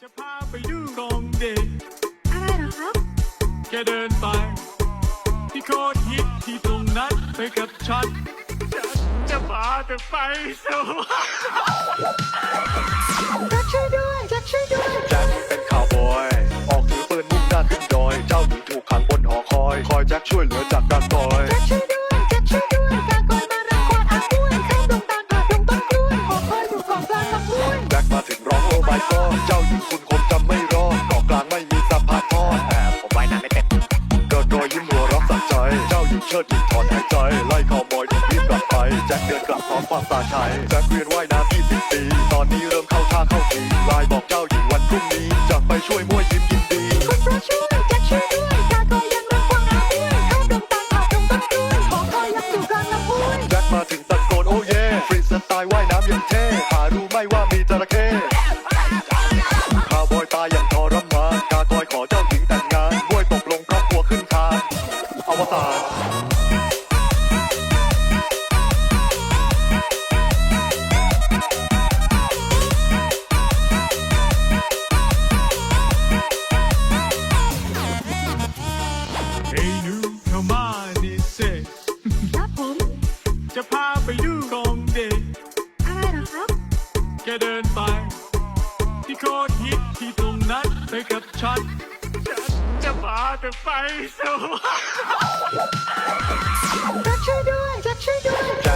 จะพาไปดูตรงเด็กอะไรเหรอครับแค่เดินไปที่โคตรฮิตที่ตรงนั้นไปกับฉันจะพาเธอไปสวรรค์แจ็คช่วยด้วยแจ็คช่วยด้วยแจ็คเป็นข่าวบอยออกถือปืนมุ่งหน้าขึ้นดอยเจ้าหญิงถูกขังบนหอคอยแจ็คช่วยเหลือจากการต่อยแจ็คช่วยด้วยแจ็คช่วยด้วยกากอยมารังควานอาบ้วยข้ามดงตาลผ่านดงต้นกล้วยหอคอยอยู่เกาะกลางลำห้วยแจ็คมาถึงร้องโอ้ my god เจ้าหญิงคุณคงจำไม่รอดเกาะกลางไม่มีสะพานทอดผมว่ายน้ำไม่เป็นเกิดรอยยิ้มหัวเรักสักใจ เจ้าหญิงเชิดหญิงถอนหายใจไล่ข่าวบอยรีบกลับไปแจ็คเดินกลับพร้อมความตาชัยแจ็คเรียนว่ายน้ำ20 ปีตอนนี้เริ่มเข้าท่าเข้าทีไลน์บอกเจ้าหญิงวันพรุ่งนี้จะไปช่วยมั่วยิ้มยินดีคุณพระช่วยแจ็คช่วยด้วยกากอยยังรังควานอาบ้วยข้ามดงตาลผ่านดงต้นกล้วยหอคอยยังอยู่กลางลำห้วยแจ็คมาถึงตะโกนโอ้เย่ฟรีสไตล์ว่ายน้ำยังเท่หารู้ไหม่ว่ามีจระเข้ข่าวบอยตายอย่างทรมานกากอยขอเจ้าหญิงแต่งงานบ้วยตกลงครอบครัวขึ้นคานอวสานเฮ้ยหนูเข้ามาดิเซครับผมจะพาไปดูตรงเด็กอะไรเหรอครับแค่เดินไปที่โคตรฮิตที่ตรงนั้นไปกับฉันจะพาเธอไปสวรรค์แจ็คช่วยด้วยแจ็คช่วยด้วยแจ็